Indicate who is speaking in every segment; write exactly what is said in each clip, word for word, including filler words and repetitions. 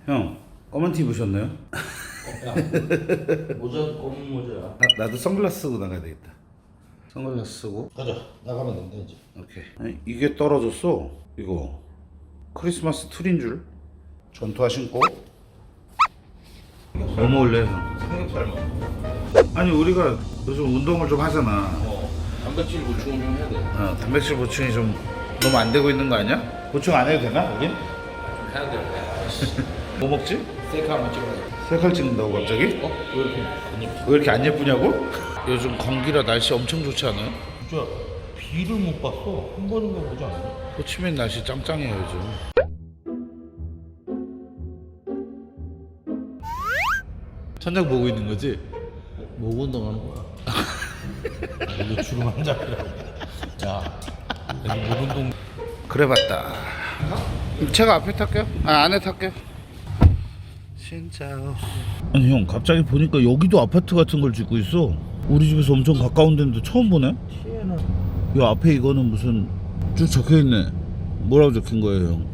Speaker 1: 형, 검은 티 입으셨나요?
Speaker 2: 야, 모자 검은 모자야.
Speaker 1: 아, 나도 선글라스 쓰고 나가야 되겠다. 선글라스 쓰고.
Speaker 2: 가자. 나가면 된다 이제.
Speaker 1: 오케이. 아니, 이게 떨어졌어. 이거 크리스마스 트리인 줄. 전투화 신고. 뭐 먹을래, 형?
Speaker 2: 삼겹살 먹어.
Speaker 1: 아니, 우리가 요즘 운동을 좀 하잖아.
Speaker 2: 어. 단백질 보충을 좀 해야 돼.
Speaker 1: 어, 단백질 보충이 좀 너무 안 되고 있는 거 아니야? 보충 안 해도 되나, 여긴?
Speaker 2: 좀 해야 돼.
Speaker 1: 뭐 먹지?
Speaker 2: 셀카 한번 찍어야
Speaker 1: 색깔 찍는다고 갑자기?
Speaker 2: 어? 왜 이렇게 안 예쁘지?
Speaker 1: 왜 이렇게 안 예쁘냐고? 요즘 건기라 날씨 엄청 좋지 않아요?
Speaker 2: 진짜 비를 못 봤어. 한 번인가 보지 않았냐?
Speaker 1: 호치민 날씨 짱짱해요 요즘. 천장 보고 있는 거지?
Speaker 2: 뭐 운동하는 거야? 이게 주름 한 장이라고. 야, 여기 못 운동.
Speaker 1: 그래 봤다. 제가 앞에 탈게요. 아 안에 탈게요. 진짜. 아니 형 갑자기 보니까 여기도 아파트 같은 걸 짓고 있어. 우리 집에서 엄청 가까운 데인데 처음 보네.
Speaker 2: 티에는
Speaker 1: 이 앞에 이거는 무슨 쭉 적혀 있네. 뭐라고 적힌 거예요 형?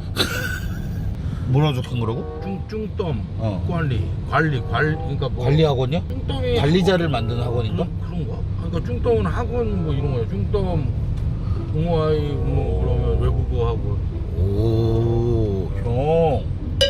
Speaker 1: 뭐라고 적힌 거라고?
Speaker 2: 쭝쭝덤
Speaker 1: 어.
Speaker 2: 관리 관리 관리 그러니까 뭐
Speaker 1: 관리학원이야?
Speaker 2: 쭝덤이
Speaker 1: 관리자를 만드는 학원인가?
Speaker 2: 그런, 그런가? 그러니까 쭝덤은 학원 뭐 이런 거야. 쭝덤 동호회 뭐 그러면 외국어 학원.
Speaker 1: 오, 형.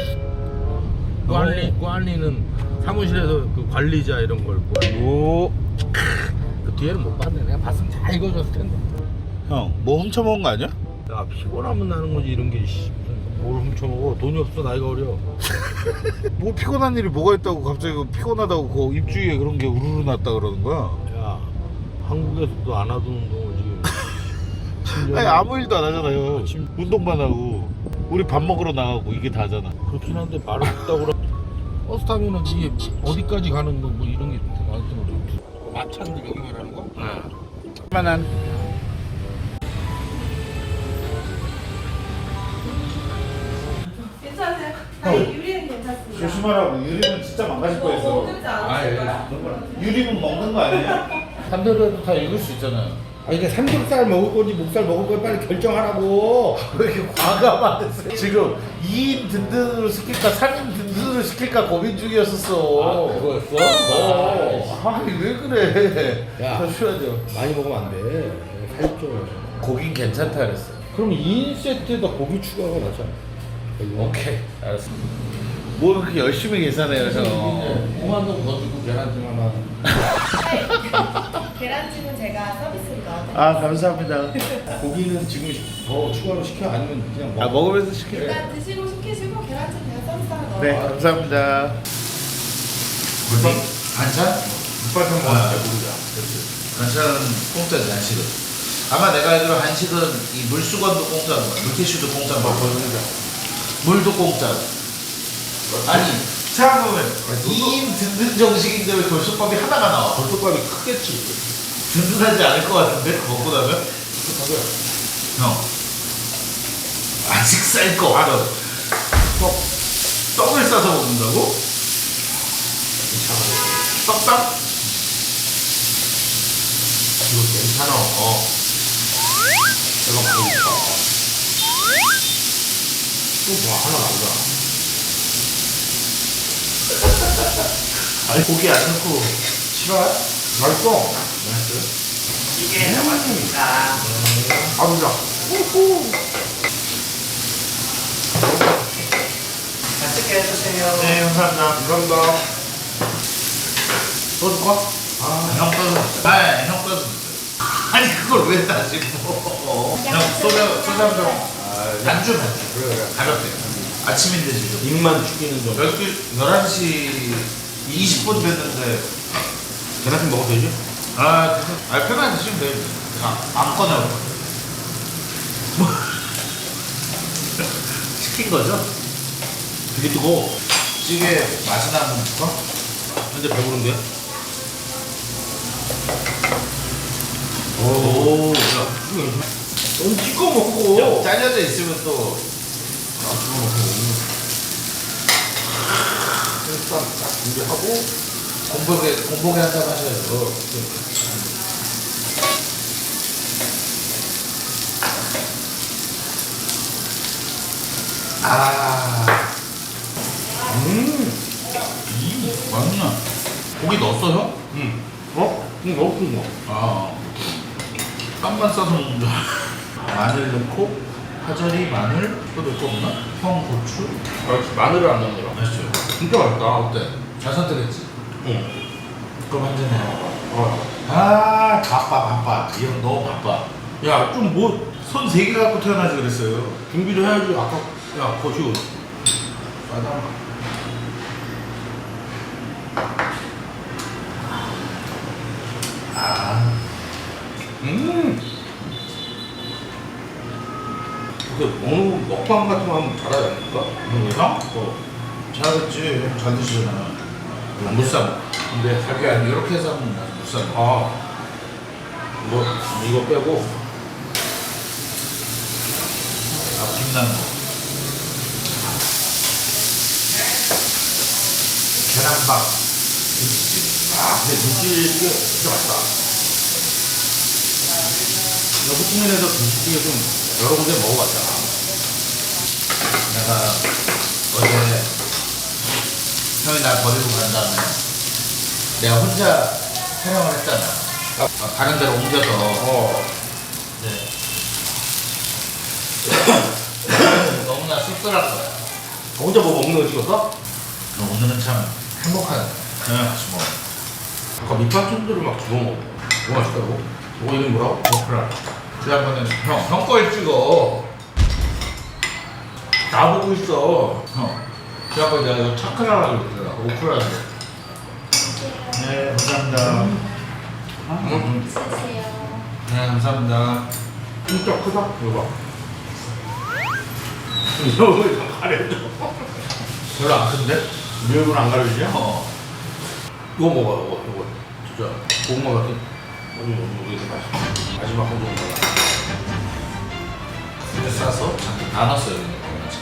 Speaker 2: 관리 관리는 사무실에서 그 관리자 이런 걸.
Speaker 1: 오.
Speaker 2: 그 뒤에는 못 봤네. 내가 봤으면 잘 읽어줬을 텐데.
Speaker 1: 형, 뭐 훔쳐먹은 거 아니야?
Speaker 2: 야 피곤하면 나는 거지 이런 게. 씨, 무슨 뭘 훔쳐먹어? 돈이 없어 나이가 어려.
Speaker 1: 뭐 피곤한 일이 뭐가 있다고 갑자기 그 피곤하다고 그 입주위에 그런 게 우르르 났다 그러는 거야?
Speaker 2: 야 한국에서도 안 하던 운동을 지금.
Speaker 1: 아니 아무 일도 안 하잖아요.
Speaker 2: 아침-
Speaker 1: 운동만 하고 우리 밥 먹으러 나가고 이게 다잖아.
Speaker 2: 그렇긴 한데 말을 듣다고 그러. 버스 타면은 이게 어디까지 가는 거 뭐 이런 게 나한테 모르. 마찬가지 여기 말하는 거? 네.
Speaker 1: 만한.
Speaker 3: 괜찮으세요? 아니 유리는 괜찮습니다.
Speaker 1: 조심하라고. 유리는 진짜 망가질
Speaker 3: 뭐
Speaker 1: 뻔했어.
Speaker 3: 먹지 않았어요?
Speaker 1: 유리는 먹는 거 아니에요? 삼대로도 다 읽을 수 있잖아요.
Speaker 2: 아니 이게 삼겹살 먹을 건지 목살 먹을 건지 빨리 결정하라고.
Speaker 1: 왜 이렇게 과감하겠어? 지금 이 인 든든으로 시킬까 삼 인 든든으로 시킬까 고민 중이었었어.
Speaker 2: 아, 그거였어?
Speaker 1: 어. 아니 왜 그래?
Speaker 2: 야.
Speaker 1: 더 쉬어야죠.
Speaker 2: 많이 먹으면 안 돼. 살쪄.
Speaker 1: 고긴 괜찮다 그랬어.
Speaker 2: 그럼 이 인 세트에다 고기 추가가 나잖아.
Speaker 1: 오케이 알았어. 뭐 그렇게 열심히 계산해요 형.
Speaker 2: 공안동 더 주고 계란찜 하나.
Speaker 3: 네. 계란찜은 제가 서비스로 넣어드릴게요.
Speaker 1: 아 감사합니다.
Speaker 2: 고기는 지금 더 추가로 시켜 아니면 그냥
Speaker 1: 아
Speaker 2: 먹어?
Speaker 1: 먹으면서 시켜요.
Speaker 3: 일단 드시고 시키시고 계란찜 제가 서비스 하나 넣어요.
Speaker 1: 네 감사합니다.
Speaker 2: 물밥?
Speaker 1: 반찬?
Speaker 2: 물밥은
Speaker 1: 아.
Speaker 2: 먹는다 모르자.
Speaker 1: 반찬은 공짜지 한식은. 아마 내가 알기로 한식은 이 물수건도 공짜인 거야. 물티슈도 공짜인 거야. 물도 공짜. 아니 생각해보면 이 인 든든 정식인데 왜 돌솥밥이 하나가 나와?
Speaker 2: 돌솥밥이 크겠지.
Speaker 1: 든든하지 않을 것 같은데 그거 먹고 나면?
Speaker 2: 돌솥밥이야.
Speaker 1: 형 아직 쌀 거 알아. 떡 떡을 싸서 먹는다고? 떡밥?
Speaker 2: 이거 괜찮아. 어. 내가 먹고 있어. 또뭐 하나 나오자.
Speaker 1: 아니 고기 안 넣고
Speaker 2: 싫어요? 맛있어. 맛있어요?
Speaker 1: 이게 잡았습니다.
Speaker 2: 아, 진짜.
Speaker 1: 맛있게 해주세요. 네 감사합니다.
Speaker 2: 감사합니다.
Speaker 1: 또 줄까? 아형 떠서 아형 떠서 아니 그걸 왜 다시 뭐? 형 소주 소주 한 병. 단주 단주.
Speaker 2: 그래, 그래.
Speaker 1: 가볍게. 아침인데 지금.
Speaker 2: 입만 죽이는 정
Speaker 1: 열한 시 이십 분 됐는데
Speaker 2: 계란찜 먹어도 되지?
Speaker 1: 아 그래서 아 편하게 드시면 돼요. 아, 아무거나 뭐 시킨 거죠?
Speaker 2: 되게 뜨거워.
Speaker 1: 찌개 맛이 나는 거?
Speaker 2: 근데 배부른데?
Speaker 1: 오.
Speaker 2: 넌 찍어 먹고.
Speaker 1: 잘려져 있으면 또
Speaker 2: 아, 찍어 먹고. 일단 딱 준비하고.
Speaker 1: 공복에 공복에 한잔 하셔야죠.
Speaker 2: 어,
Speaker 1: 아
Speaker 2: 음.
Speaker 1: 맛있냐? 고기 넣었어 형?
Speaker 2: 음. 어? 응, 넣었던 거.
Speaker 1: 아 깜만 싸서 먹는 줄 알아. 마늘 넣고 파절이 마늘 또 넣을 거 없나? 형 고추
Speaker 2: 아, 마늘을 안 넣는 거야.
Speaker 1: 맛있죠?
Speaker 2: 진짜 맛있다.
Speaker 1: 어때? 잘 선택했지?
Speaker 2: 응.
Speaker 1: 그럼 한 잔 해.
Speaker 2: 어.
Speaker 1: 아 바빠 바빠 이 형 너무 바빠.
Speaker 2: 야, 좀 뭐
Speaker 1: 손 세 개 갖고 태어나지 그랬어요.
Speaker 2: 준비를 해야지. 아까 야, 거시고.
Speaker 1: 맞아. 아
Speaker 2: 음. 그 먹는 먹방 같은 거 하면 잘하지 않을까?
Speaker 1: 형? 어. 잘했지. 형 잘 드시잖아. 못 사 먹어.
Speaker 2: 근데
Speaker 1: 자기 아니 이렇게 해서 하면 못 사 먹어.
Speaker 2: 아. 이거 이거 빼고.
Speaker 1: 아 김나는 거. 계란밥. 김치찌개.
Speaker 2: 아, 근데 김치찌개 진짜 맛있다. 나 호치민에서 김치찌개 좀 여러 군데 먹어봤잖아.
Speaker 1: 내가 어제 형이 날 버리고 간 다음에 내가 혼자 촬영을 했잖아. 어, 다른 데로 옮겨서.
Speaker 2: 어.
Speaker 1: 네. 너무나 씁쓸한 거야.
Speaker 2: 혼자 뭐 먹는 거 찍었어?
Speaker 1: 오늘은 참 행복한 저녁 같이 먹어.
Speaker 2: 아까 밑반찬들을 막 주워 먹어. 너무 맛있다고? 이거 이름이 뭐라고?
Speaker 1: 오크라. 지난번에 형, 형 걸 찍어.
Speaker 2: 다 보고 있어.
Speaker 1: 형. 지난번에 내가 이거 차크라라고 그랬잖아. 오크라라고. 네, 감사합니다.
Speaker 2: 응?
Speaker 3: 드세요.
Speaker 1: 네, 감사합니다.
Speaker 2: 진짜 크다. 이거 봐. 이거 왜 가려져?
Speaker 1: 별로 안 큰데?
Speaker 2: 네 얼굴 안 가려지냐?
Speaker 1: 어.
Speaker 2: 이거 먹어, 이거, 이거. 진짜 고구마 같은. 너무 너무 이게 맛있어. 마지막 한 조각 먹어.
Speaker 1: 이렇게 싸서 다 넣었어요. 여기.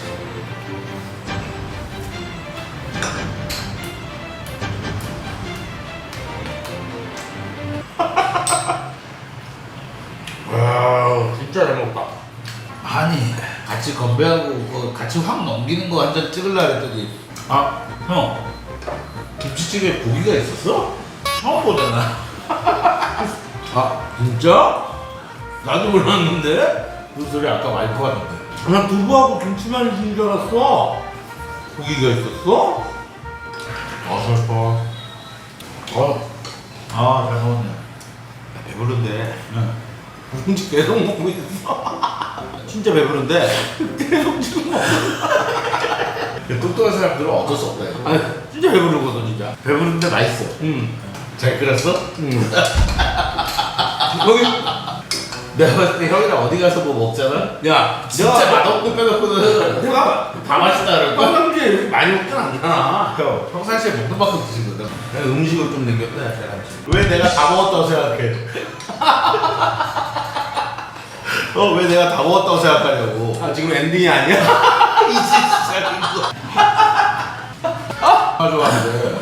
Speaker 2: 와, 진짜 잘 먹다.
Speaker 1: 아니, 같이 건배하고 그 같이 확 넘기는 거 완전 찍으려 했더니 아, 형. 김치찌개에 고기가 있었어? 처음 보잖아.
Speaker 2: 아, 진짜? 나도 몰랐는데?
Speaker 1: 그 소리 아까 와이프 하던데.
Speaker 2: 난 두부하고 김치만 있는 줄 알았어. 고기가 있었어? 아, 슬퍼. 어,
Speaker 1: 아, 잘 먹었네.
Speaker 2: 배부른데.
Speaker 1: 응.
Speaker 2: 음식 계속 먹고 있어. 진짜 배부른데. 계속 지금 먹어.
Speaker 1: 똑똑한 사람들은 어쩔 수 없다. 이거.
Speaker 2: 아, 진짜 배부르거든, 진짜.
Speaker 1: 배부른데 맛있어.
Speaker 2: 응.
Speaker 1: 잘 끓였어?
Speaker 2: 응. 거기,
Speaker 1: 내가 봤을 때 형이랑 어디 가서 뭐 먹잖아?
Speaker 2: 야,
Speaker 1: 진짜
Speaker 2: 내가
Speaker 1: 맛없는 빼놓고는
Speaker 2: 내가
Speaker 1: 다 맛있다 그럴 거야.
Speaker 2: 평상시에 이렇게 많이 먹진 않잖아.
Speaker 1: 형, 평상시에 먹는 만큼 드시거든.
Speaker 2: 내가 음식을 좀 남겼다, 제가.
Speaker 1: 왜 내가 다 먹었다고 생각해? 어, 왜 내가 다 먹었다고 생각하냐고.
Speaker 2: 아, 지금 엔딩이 아니야?
Speaker 1: 이제 시작인 거. 아, 좋아하는데.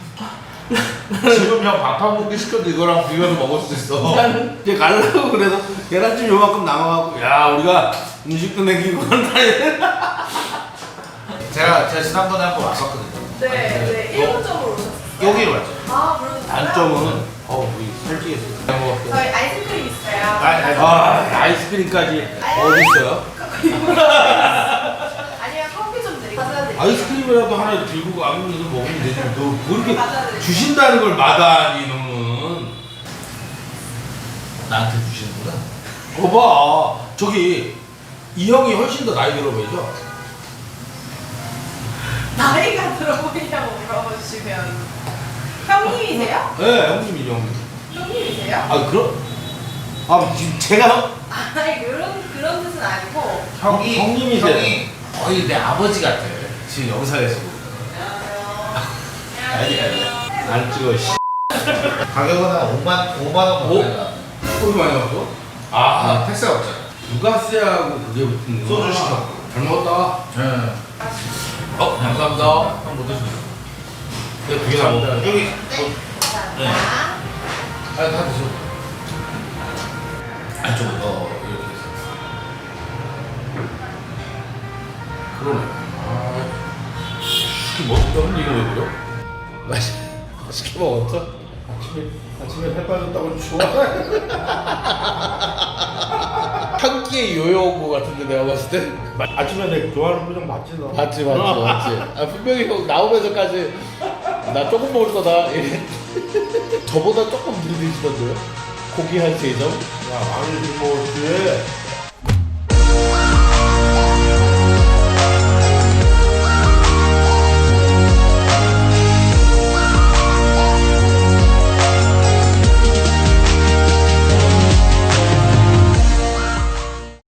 Speaker 1: 지금 형 밥 한 공기 시켜도 이거랑 비벼서 먹을 수 있어.
Speaker 2: 나는 이제 가려고 그래서 계란찜 요만큼 남아갖고, 야, 우리가 음식도 남기고 한다.
Speaker 1: 제가, 제가 지난번에 한 번 왔었거든요.
Speaker 3: 네, 네.
Speaker 1: 어?
Speaker 3: 일본적으로 오셨어요.
Speaker 1: 여기로 왔죠.
Speaker 3: 아, 그러면
Speaker 2: 단점은, 어, 우리 살찌겠어. 잘 먹었어.
Speaker 3: 저희 아이스크림 있어요.
Speaker 1: 아니, 아니.
Speaker 2: 아, 아이스크림까지 어디 있어요?
Speaker 3: 아니면 커피 좀 드릴게요. 가져다 드릴게요.
Speaker 2: 아이스크림이라도 하나 들고 가면서 먹으면 되지. 너 그렇게
Speaker 3: 가져다 드릴게요.
Speaker 2: 주신다는 걸 마다하니, 너는.
Speaker 1: 나한테 주시는구나.
Speaker 2: 거봐. 저기, 이 형이 훨씬 더 나이 들어 보이죠?
Speaker 3: 나이가 들어 보이냐고 물어보시면 형님이세요?
Speaker 2: 네, 형님이죠, 형님.
Speaker 3: 형님이세요?
Speaker 2: 아, 그럼? 아, 지금 제가
Speaker 3: 아니 그런 그런 뜻은 아니고
Speaker 1: 형이,
Speaker 2: 형님이세요.
Speaker 1: 형이 거의 내 아버지 같아. 지금 영상에서 보면. 아니, 아니.
Speaker 2: 안 찍어, 씨.
Speaker 1: 가격은 한 오만, 오만 원
Speaker 2: 오?
Speaker 1: 먹어야
Speaker 2: 소주 많이 나왔어?
Speaker 1: 아,
Speaker 2: 아,
Speaker 1: 택시가 없잖아.
Speaker 2: 부가세하고 그게 붙은 거.
Speaker 1: 소주 시켰고.
Speaker 2: 잘 먹었다.
Speaker 1: 네.
Speaker 2: 어, 감사합니다.
Speaker 1: 형못 드시네.
Speaker 2: 내가 두개 다 먹었다.
Speaker 1: 여기.
Speaker 3: 네,
Speaker 1: 네.
Speaker 3: 감사합니다.
Speaker 1: 아니, 다 드셔. 안쪽으로, 어, 이렇게 해서.
Speaker 2: 그러네. 아, 맛있게 먹었다는 얘기가 왜 그래?
Speaker 4: 맛있, 맛있게 먹었어?
Speaker 2: 아침에 아침에 살 빠졌다고 좋아.
Speaker 4: 한 끼에 요요 온 거 같은데 내가 봤을 때.
Speaker 2: 아침에 내가 좋아하는 표정 맞지 너?
Speaker 4: 맞지 맞지 맞지. 아 분명히 형 나오면서까지 나 조금 먹을 거다 이래. 저보다 조금 들이드시던데요? 고기 한 세 점?
Speaker 2: 야 많이 좀 먹었지.